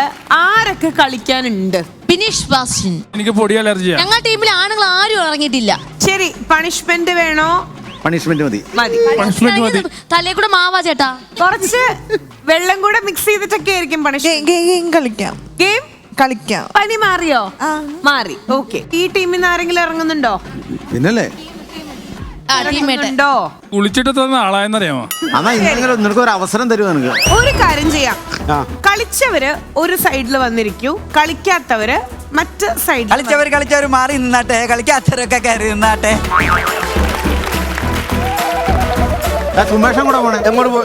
ആരൊക്കെ കളിക്കാനുണ്ട്? ഫിനിഷ് ബാസ്റ്റിൻ. എനിക്ക് പൊടി അലർജിയാ. ഞങ്ങളുടെ ടീമിൽ ആണുങ്ങൾ ആരും ഇറങ്ങിയിട്ടില്ല. ശരി, പണിഷ്മെന്റ് വേണോ? പണിഷ്മെന്റ് മതി. തലേ കൂടെ മാവാ ചേട്ടാ. കുറച്ച് വെള്ളം കൂടെ മിക്സ് ചെയ്തിട്ടൊക്കെ ആയിരിക്കും പണിഷ്മെന്റ്. ഗെയിം കളിക്കാം. ഗെയിം കളിക്കാം. പനി മാറിയോ? മാറി. ഓക്കെ. ഈ ടീമിൽ നിന്ന് ആരെങ്കിലും ഇറങ്ങുന്നുണ്ടോ? പിന്നല്ലേ ഉണ്ടോ? കുളിച്ചിട്ട് തന്ന ആളായെന്നറിയാമോ? എന്നാ ഇന്നെങ്കിലും നിനക്ക് ഒരു അവസരം തരുമോ? നിനക്ക് ഒരു കാര്യം ചെയ്യാം. കളിച്ചവര് ഒരു സൈഡിൽ വന്നിരിക്കൂ, കളിക്കാത്തവര് മറ്റ് സൈഡിൽ. കളിച്ചവര് മാറി നിന്നാട്ടെ, കളിക്കാത്തവരൊക്കെ കയറി നിന്നാട്ടെ. സുമേഷം കൂടെ പോണേ.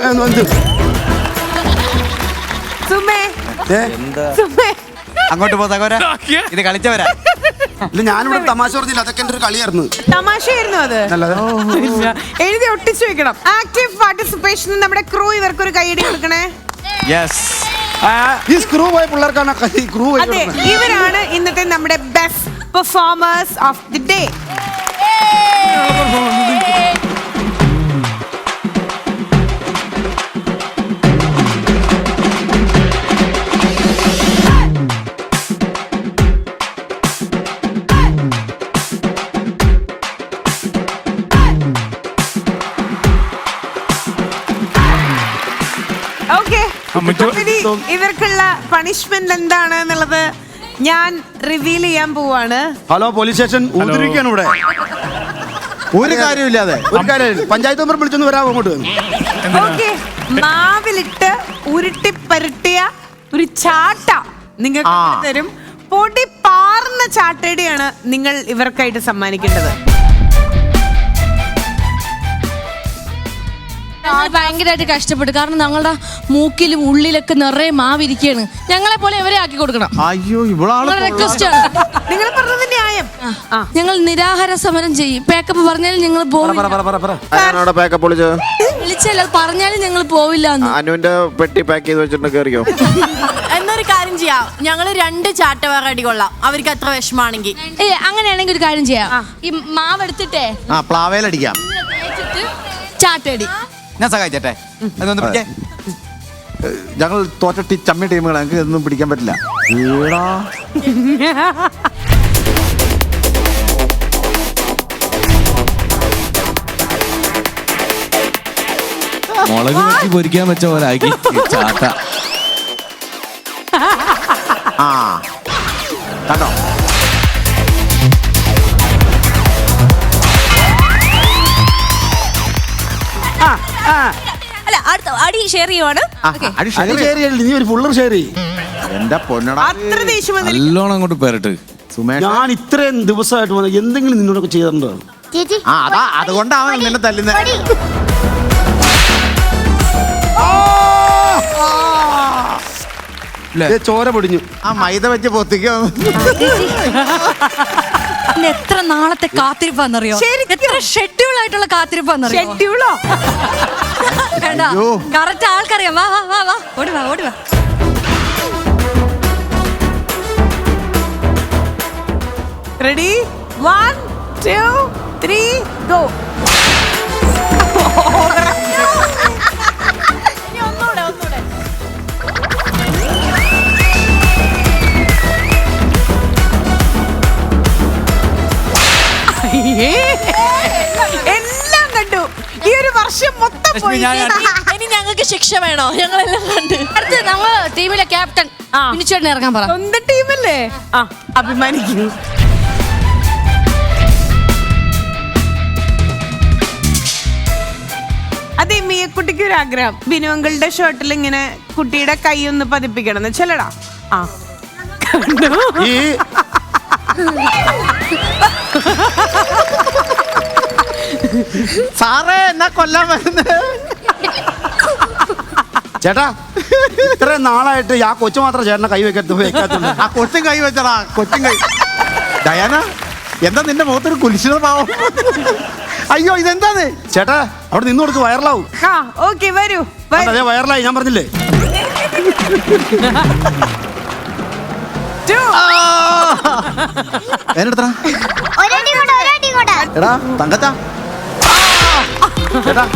സുമേ, സുമേ അങ്ങോട്ട് പോതാ. ഇത് കളിച്ചവരാ. ഞാനിവിടെ തമാശ പറഞ്ഞില്ല, അതൊക്കെ എന്റെ ഒരു കളിയായിരുന്നു. തമാശയായിരുന്നു അത്. എഴുതി ഒട്ടിച്ചു വെക്കണം. Active participation. നമ്മുടെ ക്രൂ ഇവർക്കൊരു കൈയടി കൊടുക്കണേ. ഈ സ്ക്രൂ പോയ പിള്ളേർക്കാണ് ക്രൂ. അതെ, ഇവരാണ് ഇന്നത്തെ നമ്മുടെ best performers of the day. ഇവർക്കുള്ള പണിഷ്മെന്റ് എന്താണ് എന്നുള്ളത് ഞാൻ റിവീൽ ചെയ്യാൻ പോവാണ്. ഹലോ, പോലീസ് സ്റ്റേഷൻ ഊതിരിക്കാണ് ഇവിടെ. ഒരു കാര്യമില്ലാതെ പഞ്ചായത്ത് മെമ്പർ വിളിച്ചൊന്ന് വരാമോ അങ്ങോട്ട്? ഓക്കെ, മാവിലിട്ട് ഉരുട്ടി പരട്ടിയ ഒരു ചാട്ട നിങ്ങൾക്ക് തരും. പൊടി പാർന്ന ചാട്ടയുടെയാണ് നിങ്ങൾ ഇവർക്കായിട്ട് സമ്മാനിക്കേണ്ടത്. ഭയങ്കരമായിട്ട് കഷ്ടപ്പെട്ടു. കാരണം ഞങ്ങളുടെ മൂക്കിലും ഉള്ളിലൊക്കെ നിറയെ മാവിരിക്കുകയാണ്. ഞങ്ങളെ പോലെ ഇവരെ ആക്കി കൊടുക്കണം. അയ്യോ, റിക്വസ്റ്റ് ആണ്. നിങ്ങൾ പറഞ്ഞത് ന്യായം. ഞങ്ങൾ നിരാഹാര സമരം ചെയ്യും. പാക്കപ്പ് പറഞ്ഞാലും ഞങ്ങൾ വിളിച്ചല്ല, പറഞ്ഞാലും ഞങ്ങൾ പോവില്ല. അനുവിന്റെ പെട്ടി പാക്ക് ചെയ്ത് വെച്ചിട്ട് കയറിയോ? എന്നൊരു കാര്യം ചെയ്യാം, ഞങ്ങള് 2 ചാട്ട വേറെ അടി കൊള്ളാം, അവർക്ക് അത്ര വിഷമാണെങ്കിൽ. അങ്ങനെയാണെങ്കിൽ ഒരു കാര്യം ചെയ്യാം. ഈ മാവ് എടുത്തിട്ടേ പ്ലാവേലടിക്കാം. ചാട്ടടി ഞാൻ സഹായിച്ചേ. ഞങ്ങൾ തോറ്റ ചമ്മി ടീമുകൾ, ഞങ്ങൾക്ക് ഇതൊന്നും പിടിക്കാൻ പറ്റില്ല. മുളക് വെച്ച് പൊരിക്കാൻ വെച്ച പോലെ ആക്കി ചാട്ട. കണ്ടോ? അല്ല, അടുത്ത അടി ഷെയർ ചെയ്യുവാണ്. നീ ഒരു ഫുള്ളർ ഷെയർ ചെയ്യും. എന്റെ പൊന്നട, അത്ര ദേഷ്യം നല്ലോണം അങ്ങോട്ട് പെരട്ട്. സുമേഷ്, ഞാൻ ഇത്രയും ദിവസമായിട്ട് വന്ന എന്തെങ്കിലും നിന്നോടൊക്കെ ചെയ്തിട്ടുണ്ടോ? അതുകൊണ്ടാണ് നിന്നെ തല്ലുന്നത്. ചോര പൊടിഞ്ഞു. മൈദ വെച്ച് പൊത്തിക്കോ. എത്ര നാളത്തെ കാത്തിരിപ്പാന്നറിയോ? എത്ര ഷെഡ്യൂൾ ആയിട്ടുള്ള കാത്തിരിപ്പാന്നറിയോ? ഷെഡ്യൂളോ? കറക്റ്റ് ആൾക്കറിയാം. വാ വാ വാ വാ, ഓടി വാ ഓടി വാ. റെഡി? 1 2 3 ഗോ. എല്ലാം കണ്ടു. ഈ ഒരു വർഷം മൊത്തം പോയി. ഇനി ഞങ്ങൾക്ക് ശിക്ഷ വേണോ? ഞങ്ങളെല്ലാം കണ്ട്. അടുത്ത് നമ്മൾ ടീമിലെ ക്യാപ്റ്റൻ ഫിനിച്ചേട്ടനെ ഇറങ്ങാൻ പറ. സ്വന്തം ടീമല്ലേ? അഭിമാനിക്കൂ. അതെ, മിയക്കുട്ടിക്ക് ഒരു ആഗ്രഹം. ബിനുവങ്കളുടെ ഷർട്ടിൽ ഇങ്ങനെ കുട്ടിയുടെ കൈ ഒന്ന് പതിപ്പിക്കണം എന്ന് ചെല്ലടാ. സാറേ, എന്നാ കൊല്ലാൻ വരുന്നത്? ചേട്ടാ, ഇത്രയും നാളായിട്ട് ആ കൊച്ചു മാത്രം ചേട്ടനെ കൈ വെക്കാത്തുള്ളൂ. ആ കൊച്ചും കൈ വെച്ചടാ, കൊച്ചും കൈ. ഡയാന, എന്താ നിന്റെ മുഖത്തൊരു കുലിശിതമാവും? അയ്യോ, ഇതെന്താന്ന്? ചേട്ടാ, അവിടെ നിന്ന് കൊടുത്ത് വൈറലാവും. ഓക്കെ, വരൂ. അതെ, വൈറലായി. ഞാൻ പറഞ്ഞില്ലേ? എടാ തങ്കച്ചാ, ചേട്ടാ,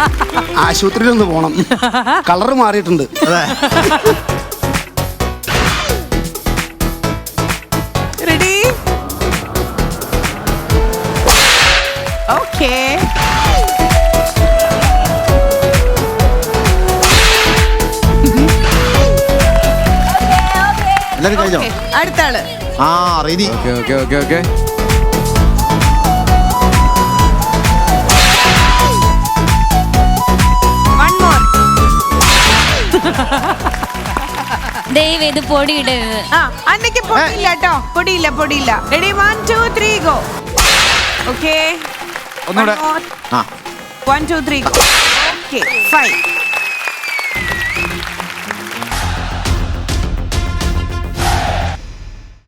ആശുപത്രിയിൽ ഒന്ന് പോണം. കളറ് മാറിയിട്ടുണ്ട്. എല്ലാരും കഴിഞ്ഞോ? Okay, അടുത്ത ആള്. ആ റെഡി. Okay One more. ദൈവം ഇത് പൊടിയിടരുത്. ആ അന്നയ്ക്ക് പൊടിയില്ല കേട്ടോ, പൊടിയില്ല. Ready 1 2 3 go. ഓക്കെ ഒന്നുകൂടെ. ആ 1 2 3 ഗോ. ഓക്കെ 5